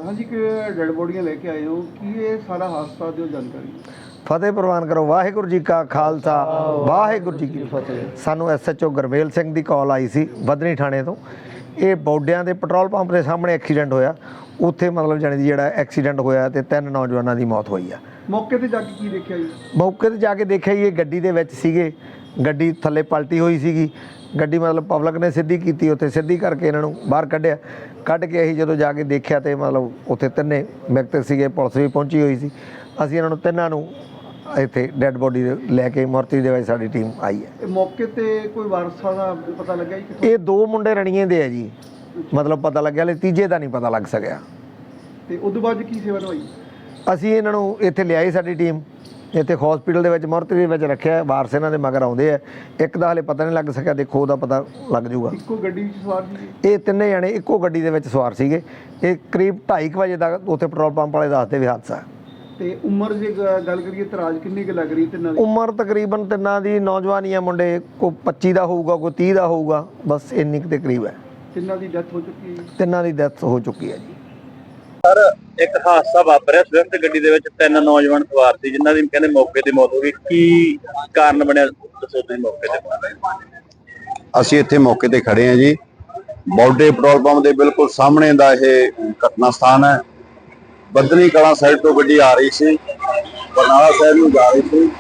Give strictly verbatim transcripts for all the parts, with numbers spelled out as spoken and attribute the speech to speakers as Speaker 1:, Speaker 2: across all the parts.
Speaker 1: हाँ जी, कि डेड बॉडियां लेके आए हो कि ये सारा हादसा जो जानकारी
Speaker 2: फतेह प्रवान करो। वाहिगुरू जी का खालसा वाहिगुरू जी की फतेह। सानू S H O Gurmel Singh की कॉल आई सी बदनी थाने तो। ये बौडियां के पेट्रोल पंप के सामने एक्सीडेंट होया। उत्थे मतलब जाने की जिहड़ा एक्सीडेंट होया ते तीन नौजवानों की मौत हुई है।
Speaker 1: मौके ते जाके की देखिया जी?
Speaker 2: मौके ते जाके देखिया जी, ये गड्डी दे विच सीगे, गड्डी थल्ले पलटी हुई सीगी। गड्डी मतलब पब्लिक ने सीधी की, उत्थे सीधी करके इन्हां नूं बाहर कढ़िया। कढ़ के असीं जदों जाके देखिया तो मतलब उत्थे तिन्ने व्यक्ति सीगे, पुलिस भी पहुंची हुई सी। असीं इन्हां नूं तिन्नां नूं इत्थे डैड बॉडी लैके मुर्ती दे विच साडी टीम आई है।
Speaker 1: मौके ते कोई वारसा दा पता लग्या जी कित्थों?
Speaker 2: ये दो मुंडे रणीए दे है जी, मतलब पता लग्या, हले तीजे दा नहीं पता लग सकिया।
Speaker 1: ते उदों बाद की सेवा होई?
Speaker 2: ਅਸੀਂ ਇਹਨਾਂ ਨੂੰ ਇੱਥੇ ਲਿਆਈ, ਸਾਡੀ ਟੀਮ ਇੱਥੇ ਹਸਪੀਟਲ ਦੇ ਵਿੱਚ ਮੁਰਤੀ ਦੇ ਵਿੱਚ ਰੱਖਿਆ। ਵਾਰਸ ਇਹਨਾਂ ਦੇ ਮਗਰ ਆਉਂਦੇ ਆ। ਇੱਕ ਦਾ ਹਲੇ ਪਤਾ ਨਹੀਂ ਲੱਗ ਸਕਿਆ, ਦੇਖੋ ਉਹਦਾ ਪਤਾ ਲੱਗ ਜਾਊਗਾ।
Speaker 1: ਇੱਕੋ ਗੱਡੀ ਵਿੱਚ ਸਵਾਰ ਸੀ?
Speaker 2: ਇਹ ਤਿੰਨੇ ਜਣੇ ਇੱਕੋ ਗੱਡੀ ਦੇ ਵਿੱਚ ਸਵਾਰ ਸੀਗੇ। ਇਹ ਕਰੀਬ ਢਾਈ ਕੁ ਵਜੇ ਦਾ ਉੱਥੇ ਪੈਟਰੋਲ ਪੰਪ ਵਾਲੇ ਦੱਸਦੇ ਵੀ ਹਾਦਸਾ।
Speaker 1: ਤੇ ਉਮਰ ਜੇ ਗ- ਗੱਲ ਕਰੀਏ ਤਰਾਜ ਕਿੰਨੀ ਕੁ ਲੱਗ ਰਹੀ ਤਿੰਨਾਂ ਦੀ?
Speaker 2: ਉਮਰ ਤਕਰੀਬਨ ਤਿੰਨਾਂ ਦੀ ਨੌਜਵਾਨ ਹੀ ਆ। ਮੁੰਡੇ ਕੋਈ ਪੱਚੀ ਦਾ ਹੋਊਗਾ, ਕੋਈ ਤੀਹ ਦਾ ਹੋਊਗਾ, ਬਸ ਇੰਨੀ ਕੁ ਦੇ ਕਰੀਬ ਹੈ।
Speaker 1: ਤਿੰਨਾਂ ਦੀ ਡੈਥ ਹੋ ਚੁੱਕੀ ਹੈ ਜੀ।
Speaker 2: ਤਿੰਨਾਂ ਦੀ ਡੈਥ ਹੋ ਚੁੱਕੀ ਹੈ ਜੀ।
Speaker 3: ਸਰ ਇੱਕ ਹਾਦਸਾ ਵਾਪਰਿਆ, ਸਵਿਫਟ ਗੱਡੀ ਦੇ ਵਿੱਚ ਤਿੰਨ ਨੌਜਵਾਨ ਸਵਾਰ ਸੀ ਜਿਨ੍ਹਾਂ ਦੀ ਕਹਿੰਦੇ ਮੌਕੇ ਤੇ ਮੌਤ ਹੋ ਗਈ। ਕੀ ਕਾਰਨ ਬਣਿਆ ਦੱਸੋ ਤੁਸੀਂ ਮੌਕੇ ਤੇ?
Speaker 4: ਅਸੀਂ ਇੱਥੇ ਮੌਕੇ ਤੇ ਖੜੇ ਹਾਂ ਜੀ। ਬੌਡੇ ਪੈਟਰੋਲ ਪੰਪ ਦੇ ਬਿਲਕੁਲ ਸਾਹਮਣੇ ਦਾ ਇਹ ਘਟਨਾ ਸਥਾਨ ਹੈ। ਬੱਦਨੀ ਕਲਾਂ ਸਾਈਡ ਤੋਂ ਗੱਡੀ ਆ ਰਹੀ ਸੀ, ਬਰਨਾਲਾ ਸਾਈਡ ਨੂੰ ਜਾ ਰਹੀ ਸੀ।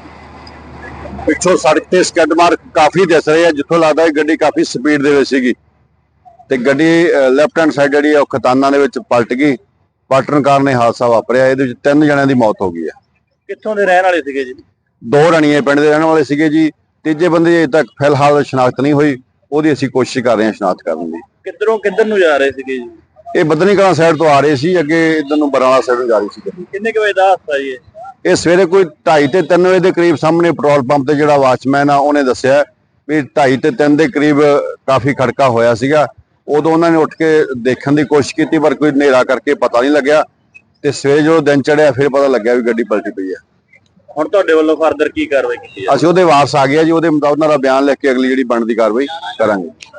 Speaker 4: ਪਿੱਛੋਂ ਸੜਕ ਤੇ ਸਕੱਡ ਮਾਰਕ ਕਾਫੀ ਦਿਸ ਰਹੇ ਆ, ਜਿੱਥੋਂ ਲੱਗਦਾ ਹੈ ਗੱਡੀ ਕਾਫੀ ਸਪੀਡ ਦੇ ਵਿੱਚ ਸੀਗੀ ਤੇ ਗੱਡੀ ਲੈਫਟ ਹੈਂਡ ਸਾਈਡ ਜਿਹੜੀ ਉਹ ਖਤਾਨਾਂ ਦੇ ਵਿੱਚ ਪਲਟ ਗਈ। ਪਲਟਣ ਕਾਰਨ ਇਹ ਹਾਦਸਾ ਵਾਪਰਿਆ। ਇਹਦੇ ਵਿੱਚ ਤਿੰਨ ਜਣਿਆਂ ਦੀ ਮੌਤ ਹੋ ਗਈ ਹੈ।
Speaker 3: ਕਿੱਥੋਂ ਦੇ ਰਹਿਣ ਵਾਲੇ ਸੀਗੇ ਜੀ?
Speaker 4: ਦੋ ਰਣੀਏ ਪਿੰਡ ਦੇ ਰਹਿਣ ਵਾਲੇ ਸੀਗੇ ਜੀ। ਤੀਜੇ ਬੰਦੇ ਅਜੇ ਤੱਕ ਫਿਲਹਾਲ ਸ਼ਨਾਖਤ ਨਹੀਂ ਹੋਈ, ਉਹਦੀ ਅਸੀਂ ਕੋਸ਼ਿਸ਼ ਕਰ ਰਹੇ ਹਾਂ ਸ਼ਨਾਖਤ ਕਰਨ ਦੀ।
Speaker 3: ਕਿੱਧਰੋਂ ਕਿੱਧਰ ਨੂੰ ਜਾ ਰਹੇ ਸੀਗੇ ਜੀ?
Speaker 4: ਇਹ ਬੱਦਨੀ ਕਲਾਂ ਸਾਈਡ ਤੋਂ ਆ ਰਹੇ ਸੀ, ਅੱਗੇ ਇਧਰ ਨੂੰ ਬਰਨਾਲਾ ਸਾਈਡ ਨੂੰ ਜਾ ਰਹੀ ਸੀ ਗੱਡੀ।
Speaker 3: ਕਿੰਨੇ ਕੁ ਵਜੇ ਦਾ ਹਾਦਸਾ ਜੀ ਇਹ?
Speaker 4: ਇਹ ਸਵੇਰੇ ਕੋਈ ਢਾਈ ਤੇ ਤਿੰਨ ਵਜੇ ਦੇ ਕਰੀਬ ਸਾਹਮਣੇ ਪੈਟਰੋਲ ਪੰਪ ਤੇ ਜਿਹੜਾ ਵਾਚਮੈਨ ਆ ਉਹਨੇ ਦੱਸਿਆ ਵੀ ਢਾਈ ਤੇ ਤਿੰਨ ਦੇ ਕਰੀਬ ਕਾਫੀ ਖੜਕਾ ਹੋਇਆ ਸੀਗਾ। ਉਦੋਂ ਉਹਨਾਂ ਨੇ ਉੱਠ ਕੇ ਦੇਖਣ ਦੀ ਕੋਸ਼ਿਸ਼ ਕੀਤੀ, ਪਰ ਕੋਈ ਹਨੇਰਾ ਕਰਕੇ ਪਤਾ ਨਹੀਂ ਲੱਗਿਆ ਤੇ ਸਵੇਰੇ ਜਦੋਂ ਦਿਨ ਚੜਿਆ ਫਿਰ ਪਤਾ ਲੱਗਿਆ ਵੀ ਗੱਡੀ ਪਲਟੀ ਪਈ ਹੈ।
Speaker 3: ਹੁਣ ਤੁਹਾਡੇ ਵੱਲੋਂ ਫਰਦਰ ਕੀ ਕਾਰਵਾਈ ਕੀਤੀ ਹੈ?
Speaker 4: ਅਸੀਂ ਉਹਦੇ ਵਾਰਸ ਆ ਗਏ ਜੀ, ਉਹਦੇ ਮੁਤਾਬਕ ਉਹਨਾਂ ਦਾ ਬਿਆਨ ਲਿਖ ਕੇ ਅਗਲੀ ਜਿਹੜੀ ਬਣਦੀ ਕਾਰਵਾਈ ਕਰਾਂਗੇ।